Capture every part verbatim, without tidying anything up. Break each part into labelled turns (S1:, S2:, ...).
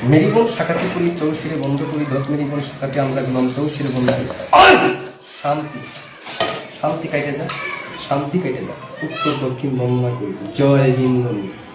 S1: Marigold শাখাতে করি চৌশিরে বন্ধ করি দত মেরিগোল্ড শাখাতে আমরা গেলাম চৌশিরে বন্ধ করি। শান্তি শান্তি কাইটে যা, শান্তি কাইটে যা। উত্তর দক্ষিণ বর্ণনা করি। জয় বিন্দু,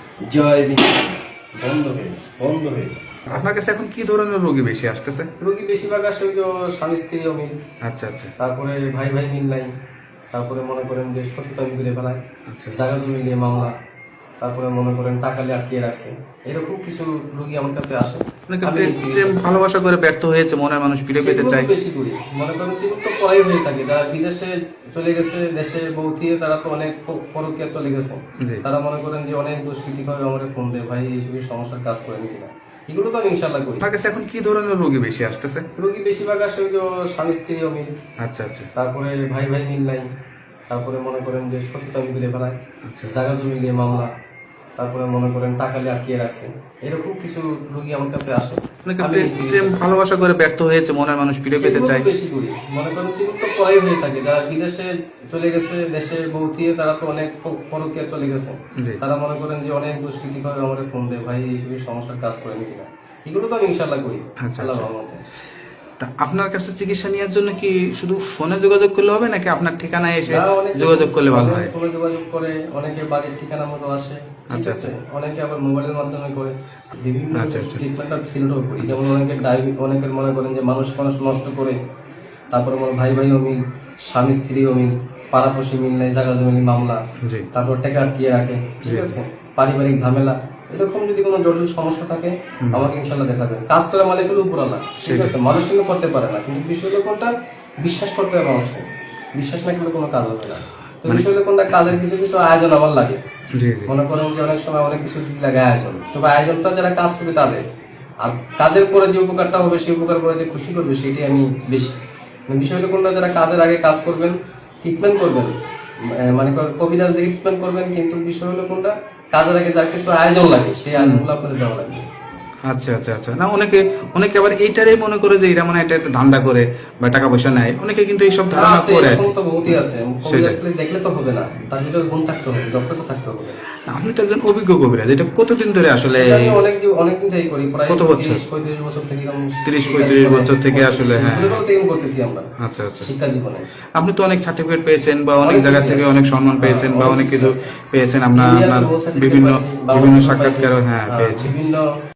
S1: জয় বিন্দু। বন্ধ হয়ে বন্ধ হয়ে
S2: আপনার কাছে এখন কি ধরনের রোগী বেশি আসতেছে?
S1: রোগী বেশিরভাগ আসে ওই যে স্বামী স্ত্রী অমিল,
S2: আচ্ছা আচ্ছা
S1: তারপরে ভাই ভাই মিল নাই, তারপরে মনে করেন যে সততা মিলে ফেলায়,
S2: আচ্ছা
S1: জায়গা জমি নিয়ে মামলা, তারপরে মনে করেন টাকা নিয়ে আটকিয়ে রাখছে। এরকম কিছু রোগী আমার কাছে আসে।
S2: অনেকে
S1: আমি
S2: প্রেম ভালোবাসা করে ব্যর্থ হয়েছে, মনের মানুষ ফিরে পেতে
S1: সেগুলো
S2: চায়।
S1: বেশি করি মনে করেন তিনি তো পড়াই হয়ে থাকে, যারা বিদেশে চলে গেছে, দেশে বউ থিয়ে তারা তো অনেক প- পরকীয়া চলে গেছে।
S2: জি
S1: তারা মনে করেন যে অনেক দুষ্কৃতি ভাবে আমার ফোন দেয়, ভাই এইসব সমস্যার কাজ করেন কিনা। এগুলো তো আমি ইনশাল্লাহ করি।
S2: আপনার কাছে এখন কি ধরনের রোগী বেশি আসতেছে?
S1: রোগী বেশিরভাগ আসে ওই যে স্বামী স্ত্রী অমিল,
S2: আচ্ছা আচ্ছা
S1: তারপরে ভাই ভাই মিল নাই, তারপরে মনে করেন যে সততা মিলে ফেলায়,
S2: আচ্ছা
S1: জায়গা জমি নিয়ে মামলা, তারপরে মনে করেন টাকা নিয়ে আটকিয়ে রাখছে। এরকম কিছু রোগী আমার কাছে আসে।
S2: অনেকে
S1: আমি
S2: প্রেম ভালোবাসা করে ব্যর্থ হয়েছে, মনের মানুষ ফিরে পেতে
S1: সেগুলো
S2: চায়।
S1: বেশি করি মনে করেন তিনি তো পড়াই হয়ে থাকে, যারা বিদেশে চলে গেছে, দেশে বউ থিয়ে তারা তো অনেক প- পরকীয়া চলে গেছে।
S2: জি
S1: তারা মনে করেন যে অনেক দুষ্কৃতি ভাবে আমার ফোন দেয়, ভাই এইসব সমস্যার কাজ করেন কিনা। এগুলো তো আমি ইনশাল্লাহ করি
S2: আচ্ছা,
S1: আল্লাহর
S2: আচ্ছা।
S1: রহমতে।
S2: তা আপনার কাছে চিকিৎসা নেওয়ার জন্য কি শুধু ফোনে যোগাযোগ করলে হবে নাকি আপনার ঠিকানায় এসে
S1: না, অনেকে
S2: যোগাযোগ করলে ভালো হয়?
S1: ফোনে যোগাযোগ করে, অনেকে বাড়ির ঠিকানা মতো আসে, ঠিক
S2: আচ্ছা,
S1: আছে, অনেকে আবার মোবাইলের মাধ্যমে করে। বিভিন্ন
S2: আচ্ছা, আচ্ছা।
S1: ট্রিটমেন্ট আর সিলেটও করি। যেমন অনেকের ডায়াবেটিস, অনেকের মনে করেন যে মানুষ মানুষ নষ্ট করে, তারপরে মনে ভাই ভাই অমিল, স্বামী স্ত্রী অমিল, পাড়াপড়শি মিল নাই, জায়গা জমি মামলা,
S2: জি
S1: তারপর টাকা আটকিয়ে রাখে, ঠিক
S2: জি।
S1: আছে, পারিবারিক ঝামেলা, এরকম যদি কোনো জটিল সমস্যা থাকে আমাকে ইনশাল্লাহ দেখাবেন। কাজ করে মানে এগুলো উপরালা, ঠিক আছে, মানুষ কিন্তু করতে পারে না, কিন্তু বিষয় হলো কোনটা, বিশ্বাস করতে হবে মানুষকে। বিশ্বাস না করলে কোনো কাজ হবে না। তো বিষয় হলো কোনটা, কাজের কিছু কিছু আয়োজন আমার লাগে।
S2: জি জি
S1: মনে করেন যে অনেক সময় অনেক কিছু দিক লাগে আয়োজন, তবে আয়োজনটা যারা কাজ করবে তাদের, আর কাজের পরে যে উপকারটা হবে, সেই উপকার করে যে খুশি করবে, সেটাই আমি বেশি। মানে বিষয় হলো কোনটা, যারা কাজের আগে কাজ করবেন, ট্রিটমেন্ট করবেন, আহ, মানে করেন কবিরাজ দিয়ে ট্রিটমেন্ট করবেন, কিন্তু বিষয় হলো কোনটা, কাজের আগে যার কিছু আয়োজন লাগে, সেই আয়োজনগুলো আপনাদের দেওয়া লাগবে।
S2: আচ্ছা আচ্ছা আচ্ছা না, অনেকে অনেকে আবার এইটারই মনে করে যে এরা মানে এটা একটা ধান্দা করে বা টাকা পয়সা নেয়, অনেকে কিন্তু এইসব ধারণা
S1: আছে,
S2: করে।
S1: এরকম তো বহুতই আছে। কবিরাজ খালি দেখলে তো হবে না, তার ভিতরে গুণ থাকতে হবে, দক্ষতা থাকতে হবে।
S2: আপনি তো একজন অভিজ্ঞ কবিরাজ, এটা কতদিন ধরে আসলে?
S1: এটা আমি অনেক দিন অনেকদিন থেকেই করি, প্রায়
S2: কত বছর?
S1: তিরিশ পঁয়ত্রিশ বছর থেকে এরকম
S2: তিরিশ
S1: শিক্ষা
S2: পঁয়ত্রিশ
S1: জীবনে
S2: বছর থেকে
S1: করতেছি।
S2: আসলে, হ্যাঁ।
S1: ছোটবেলা থেকেই করতেছি আমরা
S2: আচ্ছা আচ্ছা
S1: শিক্ষা জীবনে।
S2: আপনি তো অনেক সার্টিফিকেট পেয়েছেন বা অনেক
S1: অনেক
S2: জায়গা
S1: কিছু
S2: থেকে
S1: আছে।
S2: অনেক সম্মান পেয়েছেন বা
S1: হ্যাঁ,
S2: অনেক
S1: অনেক
S2: কিছু
S1: কিছু আছে।
S2: পেয়েছেন, আপনার
S1: ইন্ডিয়াতে
S2: আপনার
S1: বহু certificate
S2: বিভিন্ন
S1: পাইছি,
S2: বিভিন্ন
S1: বাংলাদেশেও
S2: সাক্ষাৎকারও
S1: পাইছি।
S2: হ্যাঁ
S1: হ্যাঁ,
S2: পেয়েছি।
S1: বিভিন্ন